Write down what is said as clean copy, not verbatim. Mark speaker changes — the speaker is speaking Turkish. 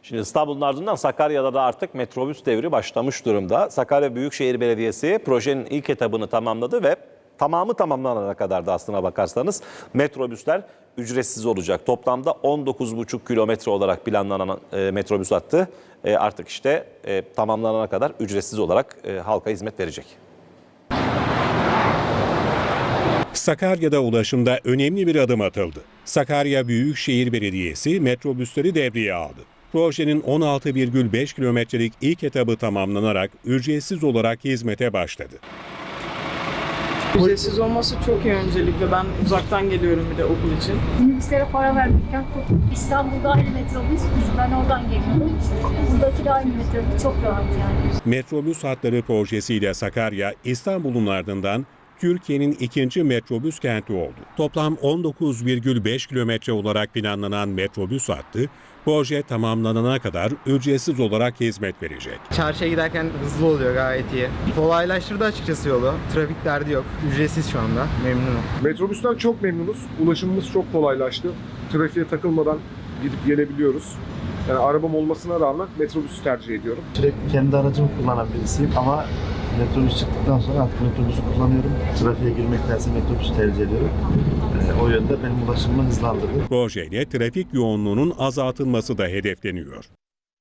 Speaker 1: Şimdi İstanbul'un ardından Sakarya'da da artık metrobüs devri başlamış durumda. Sakarya Büyükşehir Belediyesi projenin ilk etabını tamamladı ve tamamı tamamlanana kadar da aslına bakarsanız metrobüsler ücretsiz olacak. Toplamda 19,5 kilometre olarak planlanan metrobüs hattı artık işte tamamlanana kadar ücretsiz olarak halka hizmet verecek.
Speaker 2: Sakarya'da ulaşımda önemli bir adım atıldı. Sakarya Büyükşehir Belediyesi metrobüsleri devreye aldı. Projenin 16,5 kilometrelik ilk etabı tamamlanarak ücretsiz olarak hizmete başladı.
Speaker 3: Ücretsiz olması çok iyi öncelikle. Ben uzaktan geliyorum bir de okul için.
Speaker 4: Minibüslere para vermekten korktum. İstanbul'da aynı metrobüs, ben oradan geliyorum. Buradaki de aynı metrobüs, çok rahat yani.
Speaker 2: Metrobüs hatları projesiyle Sakarya, İstanbul'un ardından Türkiye'nin ikinci metrobüs kenti oldu. Toplam 19,5 kilometre olarak planlanan metrobüs hattı, proje tamamlanana kadar ücretsiz olarak hizmet verecek.
Speaker 5: Çarşıya giderken hızlı oluyor, gayet iyi. Kolaylaştırdı açıkçası yolu. Trafik derdi yok. Ücretsiz şu anda. Memnunum.
Speaker 6: Metrobüsten çok memnunuz. Ulaşımımız çok kolaylaştı. Trafiğe takılmadan gidip gelebiliyoruz. Yani arabam olmasına rağmen metrobüsü tercih ediyorum.
Speaker 7: Sürekli kendi aracımı kullanan birisiyim ama metrobüs çıktıktan sonra artık metrobüsü kullanıyorum. Trafiğe girmektense metrobüsü tercih ediyorum. O yönde benim ulaşımımı hızlandırdı.
Speaker 2: Projeyle trafik yoğunluğunun azaltılması da hedefleniyor.